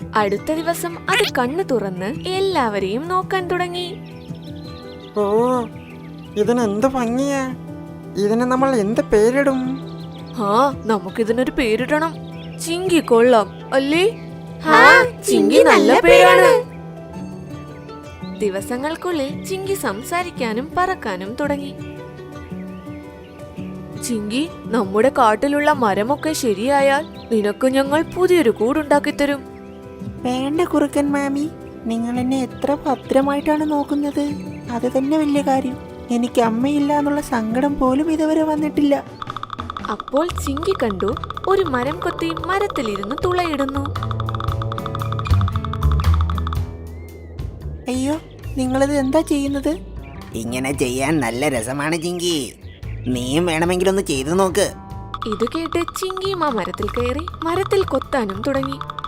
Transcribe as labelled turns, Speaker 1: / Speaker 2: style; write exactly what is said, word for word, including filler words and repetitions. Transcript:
Speaker 1: അടുത്ത ദിവസം അത് കണ്ണു തുറന്ന് എല്ലാവരെയും നോക്കാൻ തുടങ്ങി.
Speaker 2: ഓ, ഇതിനെന്ത് ഭംഗിയാ! ഇതിന് നമ്മൾ എന്ത് പേരിടും?
Speaker 1: ആ, നമുക്കിതിനൊരു പേരിടണം. ചിങ്കി കൊള്ളാം അല്ലേ?
Speaker 3: ചിങ്കി നല്ല പേരാണ്.
Speaker 1: ദിവസങ്ങൾക്കുള്ളിൽ ചിങ്കി സംസാരിക്കാനും പറക്കാനും തുടങ്ങി. ചിങ്കി, നമ്മുടെ കാട്ടിലുള്ള മരമൊക്കെ ശരിയായാൽ നിനക്ക് ഞങ്ങൾ പുതിയൊരു കൂടുണ്ടാക്കി തരും.
Speaker 4: വേണ്ട കുറുക്കൻ മാമി, നിങ്ങൾ എന്നെ എത്ര ഭദ്രമായിട്ടാണ് നോക്കുന്നത്. അത് തന്നെ വലിയ കാര്യം. എനിക്ക് അമ്മയില്ല എന്നുള്ള സങ്കടം പോലും ഇതുവരെ വന്നിട്ടില്ല.
Speaker 1: അപ്പോൾ ചിങ്കി കണ്ടു ഒരു മരം കൊത്തി മരത്തിലിരുന്ന് തുളയിടുന്നു.
Speaker 4: അയ്യോ, നിങ്ങളിത് എന്താ ചെയ്യുന്നത്?
Speaker 3: ഇങ്ങനെ ചെയ്യാൻ നല്ല രസമാണ് ചിങ്കി. നീയും വേണമെങ്കിലൊന്ന് ചെയ്തു നോക്ക്.
Speaker 1: ഇത് കേട്ട് ചിങ്കിയും ആ മരത്തിൽ കയറി മരത്തിൽ കൊത്താനും തുടങ്ങി.